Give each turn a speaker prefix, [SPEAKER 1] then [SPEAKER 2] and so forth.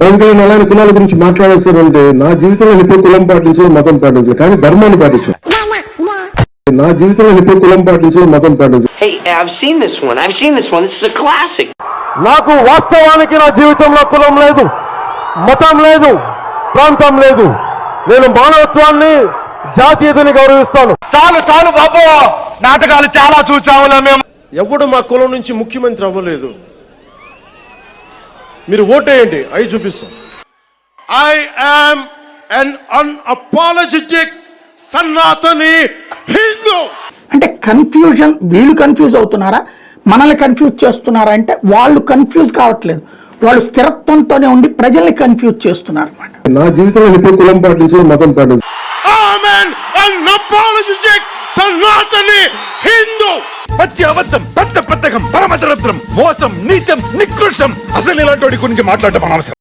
[SPEAKER 1] ఎవరికైనా అలాంటి కులాల గురించి మాట్లాడేస్తారంటే నా జీవితంలో ఎప్పుడు కులం పాటించడం మతం పాటించలేదు, కానీ ధర్మాన్ని పాటించాను. నా జీవితంలో ఎప్పుడు కులం పాటించడం మతం పాటించలేదు.
[SPEAKER 2] Hey, I've seen this one. This is a classic.
[SPEAKER 3] నాకు వాస్తవానికి నా జీవితంలో కులం లేదు, మతం లేదు, ప్రాంతం లేదు. నేను మానవత్వాన్ని, జాతీయతని గౌరవిస్తాను.
[SPEAKER 4] చాలు చాలు బాబు, నాటకాలు చాలా చూసాములే మేము.
[SPEAKER 3] ఎవడు మా కులం నుంచి ముఖ్యమంత్రి అవ్వలేదు. మీరు ఓటేయండి, అవి చూపిస్తాం.
[SPEAKER 4] I am an unapologetic Sanatani Hindu.
[SPEAKER 5] అంటే కన్ఫ్యూజన్, వీళ్ళు కన్ఫ్యూజ్ అవుతున్నారా, మనల్ని కన్ఫ్యూజ్ చేస్తున్నారా అంటే వాళ్ళు కన్ఫ్యూజ్ కావట్లేదు, వాళ్ళు స్థిరత్వంతోనే ఉండి ప్రజల్ని కన్ఫ్యూజ్ చేస్తున్నారు అన్నమాట.
[SPEAKER 1] నా జీవితంలో ఎప్పుడు కులం పాటించడం మతం పాటించలేదు.
[SPEAKER 4] సనాతని హిందూ. పచ్చి అబద్ధం, పెద్ద పెద్దకం, పరమదరిద్రం, మోసం, నీచం, నికృష్టం. అసలు ఇలాంటి గురించి మాట్లాడటం అనవసరం.